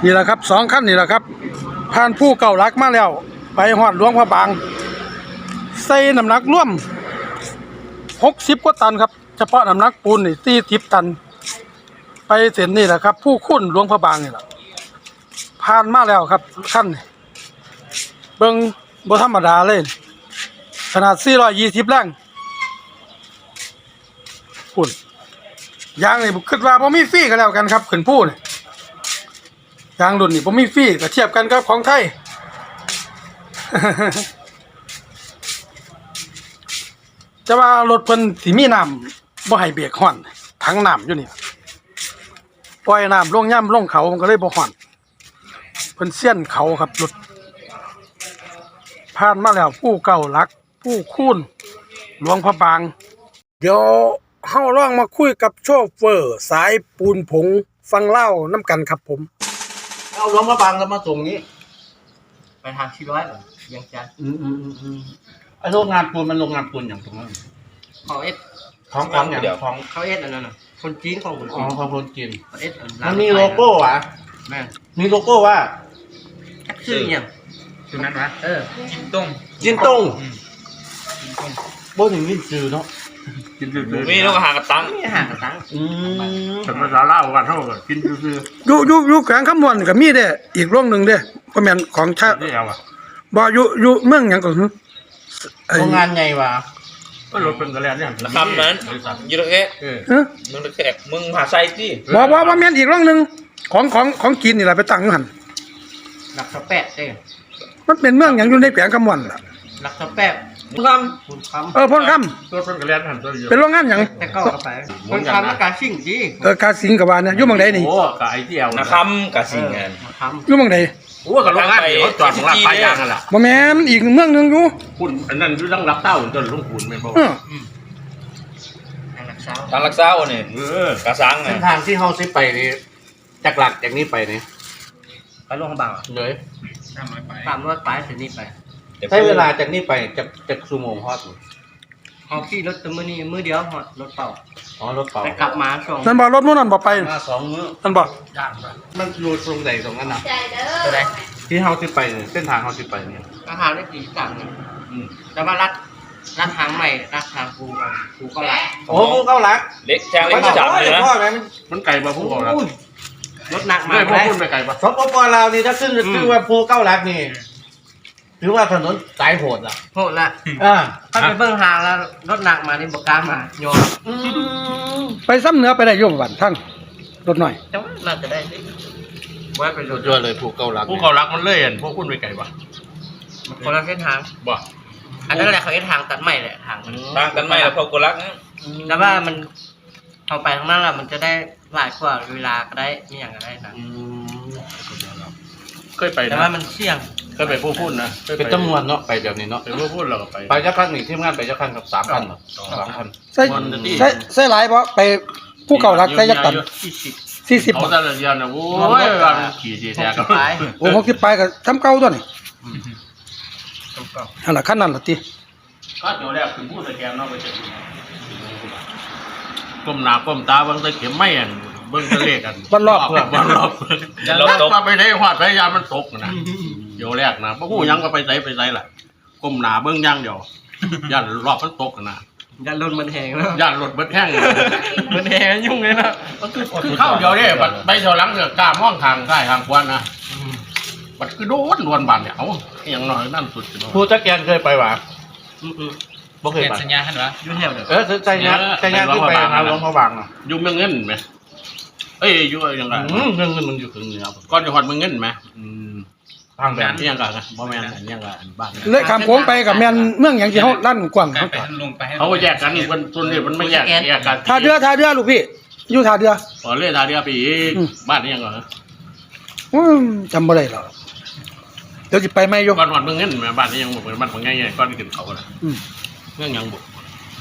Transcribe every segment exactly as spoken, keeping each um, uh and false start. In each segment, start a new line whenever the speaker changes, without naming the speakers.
นี่แหละครับสองขั้นนี่แหละครับผ่านผู้เก่ารักมาแล้วไปหอดหลวงพระบางใส่น้ำหนักร่วมหกสิบกว่าตันครับเฉพาะน้ำหนักปูนนี่สี่สิบตันไปเส้นนี่แหละครับผู้คุ้นหลวงพระบางนี่แหละผ่านมาแล้วครับขั้นเบิ่งบ่ธรรมดาเลยขนาดสี่ร้อยยี่สิบแรงปุ่นยางนี่คิดว่าบ่มีฟรีก็แล้วกันครับขึ้นผู้นี่ยางรุ่นนี่บ่มีฟรีก็เทียบกันกับของไทย จะว่ารถเพิ่นสิมีน้ำบ่ให้เบรกฮ้อนถังน้ำอยู่นี่ปล่อยน้ำลงย่ำลงเขามันก็เลยบ่ฮ้อนเพิ่นเสี้ยนเขาครับรถผ่านมาแล้วผู้เก่าหลักผู้คูนหลวงพระบางเดี๋ยวเฮาลองมาคุยกับโชเฟอร์สายปูนผงฟังเล่าน้ำกันครับผม
เอาหลวงพระบางแล้วมาส่งนี้
ไปทางที่ร้อยเหรอยังจัน
อืมอืมอืมอืมไอโรงงานปูนมันโรงงานปูนอย่างตรงนั้น
เขาเอส
ของของอย่างของ
เขาเอสอันนั้นน่ะคนจีนของคน
อ๋อ
จีน
ของคนจีน
เขาเอส
มันมีโลโก้วะ
แม่
มีโลโก้ว่า
ชื่อเนี่ย
ชื่อนั้นวะ
เออจินต้ง
จินต้งโบ้ถึงนี่จือเนาะ
กินซื่อๆมีแล้วก็หากระตัง
นี่หากระตัง
อืม
เป็นภาษาลาวว่าเท่ากันกินซื่อ
ๆอยู่อยู่อยู่แขวงคำมวนก็มีเด้อีกโรงนึงเด้บ่แม่นของชาติ
ที่เอาอ่ะ
บ่อยู่อยู่เมืองหยังก็คือ
โรงงานใหญ่ว่ะ
ก็รถเป็นกระแลนเนี่ยคำนั้นยูโรเอะเออมึงตะแคกมึงหาไซสิ
บ่บ่บ่แม่นอีกโรงนึงของของของจีนนี่ล่ะไปตั้งอยู่หั่น
หลักสแปดเด้
มันเป็นเมืองหยังอยู่ในแขวงคำมวนล่ะ
หลักสแปด
พุ่นค
ำพุ่นค
ำเออพุ่นค
ำรถเป็นกระแลนหันตัว
เดียวเป็นโรงงานหยัง
แต่ก็เข้าไปพุ่นคำแล้วการชิ่งจี
เออกาสิงกับว่าเนี่ยอยู่เมืองใดนี่
โอ้กะไอ้ที่เอานะคำกะสิงงาน
อยู่เมืองใด
โอ้กับโรงงานเขาจอดของลาดปลายยางนั่นแหละ
บ่แม่นอีกเมืองนึงอยู่
พุ่นอันนั้นอยู่ตั้งรับเต้าจนลุงขุนแม่นบ่
เออ
ทางลักษา
ทางลักษาเนี่ยเออกะสัง
เส้นทางที่เฮาสิไปนี่จากหลักจากนี้ไปนี่
ไปลงพระบาง
เลย
สามร้อยไปสามร้อยไปถึงนี่ไป
ใช้เวลาจากนี้ไปจากจากชั่วโมงฮอด
เอาขี่รถตัวมื้อนี้มื้อเดียวฮอดรถเป่า
อ๋อรถเป่า
แต่กลับมาสอง
นั่นบ่รถมื้อนั้นบ่ไป
มาสองมื้อ
นั่นบ่
ย่านมันอยู่ตรงไหนตรงนั้นน่ะ
ตรงไหน
ที่เฮาสิไปนี่เส้นทางเฮาสิไปนี่
ราคาได้กี่ต่างกันอืมแต่ว่ารัดรัดทางใหม่รัดทางกูกันกูก็รัด
โอ้กูเข้ารัก
เล็กแจ้งเล็กจับเลยนะมันไก่บ่ผู้เข้ารัก
รถหนักมา
ไม่พวกคุณไปไก่ปะ
สปปลาวนี่ถ้าขึ้นชื่อว่าภูเก้ารักนี่ถือว่าถนนสายโหดล่ะ
โหดละ
อ่า
ถ้าไปเบิ่งทางแล้วรถหนักมานี่บ่กล้ามาโยน
ไปซ้ำเหนือไปได้อยู่บ้านทั้งรถหน่อย
จังน่าจะได้ไว้เป็นรถ
ยอดเลยภูเก้ารัก
ภูเก้ารักมันเลื่อนพวกคุณไปไก่ปะ
คนละเส้นทาง
บ่
อันนั้นแหละเขาเส้นทางตัดใหม่แหละทาง
ทางตัดใหม่แล้วภูเก้ารักนะ
แต่ว่ามันเอาไปข้างหน้าล่ะมันจะได้หลายกว่าเวลาก็ได้มีอย่างก็ได้นะ
เคยไป
แต่ว่ามันเสี่ยง
เคยไปผู้พูดนะ
เป็นจำนวนเนาะไปแบบนี้เนาะ
ไปผู้พูดเราก็ไป
ไปเจ้าคันนี่ทีมงานไปเจ้าคันกับสามพันเนาะสามพัน
ใช่ใช่ใช่หลายเพราะไปผู้เก่ารักใช้ยักษ์ตันสี่สิบ
เอาแต่ละเดือนนะโอ้ยวันขี่สี่แถวกันไป
โอ้หกสิบไปกับทำเก่าตัวนี่อันละขั้นนั้นละที
ก็เดี๋ยวแรกถึงพูดตะแกรงเนาะไปเจอก้มหน้าก้มตาเบิ้งตะเข็มไม่อันเบิ้งทะเลกัน
วันรอบ
วันรอบอย่าลบตกไปได้หอดพยายามมันตกนะเดี๋ยวแรกนะพวกผู้ยังก็ไปใส่ไปใส่แหละก้มหน้าเบิ้งย่างเดียวย่านรอบมันตกนะ
ย่านรถมันแห้งแล้ว
ย่านรถมันแห้ง
มันแห้งยุ่งเลยนะ
เข้าเดียวเนี่ยไปเท่าหลังเสือกล้ามองทางใต้ทางขวานะมันคือโดนดวนบานเนี่ยเอาอย่างน้อยนั่นสุด
ผู้จักแกนเคยไปหวะ
บ่เคยไปสัญญาหันวะยุ่งแถวเด้อ
เออใจงานใจงานที่ไปหาหลวงพระบางอ่ะ
ยุ่งเมืองเงินไหมเอ้ยยุ่งยังไง
เมืองเงินมันอยู่ถึงเหนือ
ก้อนจังหวัดเมืองเงินไหม
ทางแบบ
นี้ยังไงนะบ่แม่นอันยังไงอันบ้าน
เลยข้ามโค้งไปกับแม่นเมืองอย่างที่เขาลั่นกว้างเขา
เขาแยกกันคนส่วนนี้มันไม่แยกแยกกัน
ท่าเรือท่าเรือลูกพี่อยู่ท่าเรือ
อ๋อเรือท่าเรือปีบ้านนี้ยังไง
จำบ่ได้หรอกเดี๋ยวจะไปไม่ยก
ก้อนจังหวัดเมืองเงินไหมบ้านนี้ยังบอกเป็นบ้านของง่ายๆก้อนขึ้นเขาเลยเรื่องยังบุก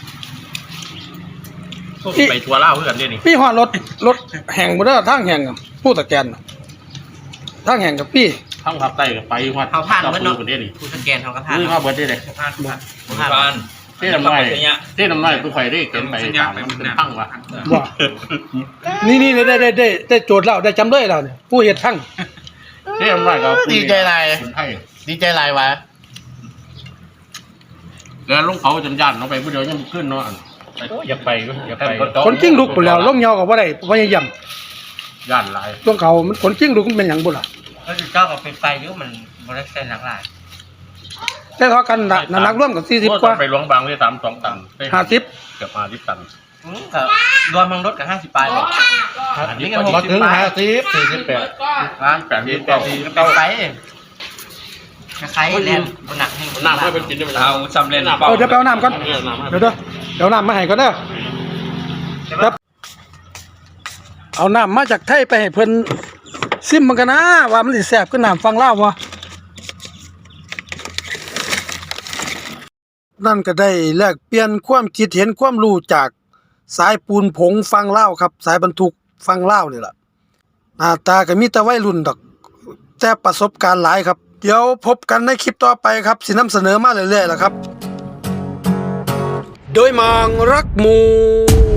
ไปทัวร์เล่าเพื่อนเนี่ยนี่
พี่หอดรถรถแห่งบ่ได้ทางแห่งกับผู้ตะแกนทางแห่งกับพี่
ทางภาคใต้กับไปวัด
เขาผ่านเมื่อน้องผู้สแกนเขาก็ผ่าน
นี่เขาเบิร์ดได้เลย
ผ่านผ่าน
ผ่านเท่น้ำน้อยเท่น้ำน้อยผู้ใครได้เกินไปต่างมันเป็นทั้งวะ
ว่านี่นี่ได้ได้ได้ได้โจทย์เราได้จำเลยเราเนี่ยผู้เหตุทั้ง
เรียมไรครับ
ดีใจไร
คุณให้
ดีใจไรวะ
แล้วลงเขาจนยันลงไปผู้เดียวยังขึ้นเนาะ
อย่าไปอย่าไป
คนกิ้งลุกไปแล้วลงเหยาก็บ่ได้พยายาม
ยันหลาย
ช่วงเขามันคนกิ้งลุกมันเป็นหยังบ่ล่ะ
แล้วเจ้าก็ไปไปอยู่มันบ่ได้ใส่หนักหลาย
แต่เขากันน่ะน้ำหนักร่วมกับสี่สิบกว่า
ไปหลวงบางได้สามสองตันได้
ห้าสิบ
เกือบห้าสิบตัน
อืมก็รวมทั้งรถก็ห้าสิบปลายเลยอันนี้ก็หก
มา
สิบ
ถึง
ปลาย
ห้าสิบสี่สิบแปด
ร้าน
แปดสิบเก้า
ไปไปคล้ายๆแลนบนหนักให้
น้ำให้เป็นกินได้ไหม
เอาสำเร็จ
เออเดี๋ยวไปเอาน้ำก่อน
เออน้ำให้
เดี๋ยวเด้อเดี๋ยวน้ำมาให้ก่อนเด้อครับเอาน้ำมาจากไทยไปให้เพิ่นซิมมันกันนะว่ามันสิแซ่บขึ้นน้ำฟังเล่าวบ่นั่นก็ได้แลกเปลี่ยนความคิดเห็นความรู้จากสายปูนผงฟังเล่าวครับ สายบรรทุกฟังเล่าวนี่ล่ะหน้าตาก็มีแต่วัยรุ่นดอก แต่ประสบการณ์หลายครับ เดี๋ยวพบกันในคลิปต่อไปครับสินำเสนอมาเรื่อยๆล่ะครับ โดยมองรักหมู่